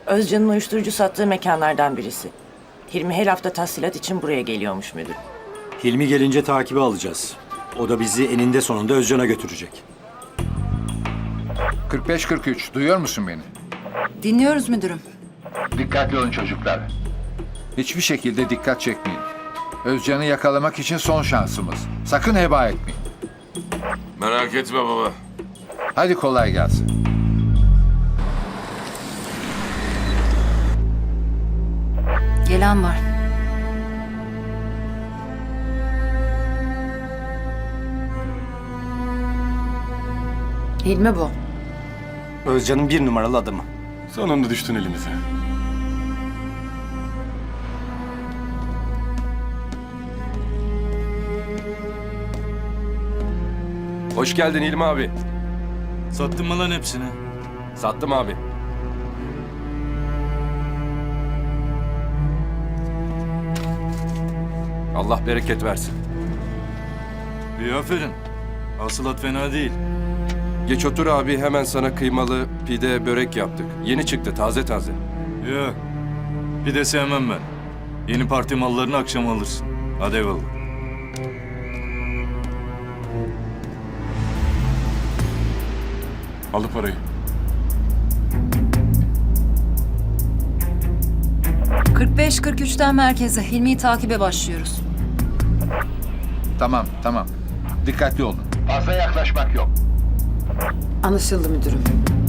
Özcan'ın uyuşturucu sattığı mekanlardan birisi. Hilmi her hafta tahsilat için buraya geliyormuş müdür. Hilmi gelince takibi alacağız. O da bizi eninde sonunda Özcan'a götürecek. 45-43, duyuyor musun beni? Dinliyoruz müdürüm. Dikkatli olun çocuklar. Hiçbir şekilde dikkat çekmeyin. Özcan'ı yakalamak için son şansımız. Sakın heba etmeyin. Merak etme baba. Hadi kolay gelsin. Gelen var. Hilmi bu. Özcan'ın 1 numaralı adamı. Sonunda düştün elimize. Hoş geldin İlmi abi. Sattın mı lan hepsini? Sattım abi. Allah bereket versin. İyi aferin. Hasılat fena değil. Geç otur abi, hemen sana kıymalı pide börek yaptık. Yeni çıktı, taze taze. Yok. Bir de sevmem ben. Yeni parti mallarını akşam alırsın. Hadi eyvallah. Aldı parayı. 45-43'ten merkeze Hilmi'yi takibe başlıyoruz. Tamam. Dikkatli olun. Fazla yaklaşmak yok. Anlaşıldı müdürüm.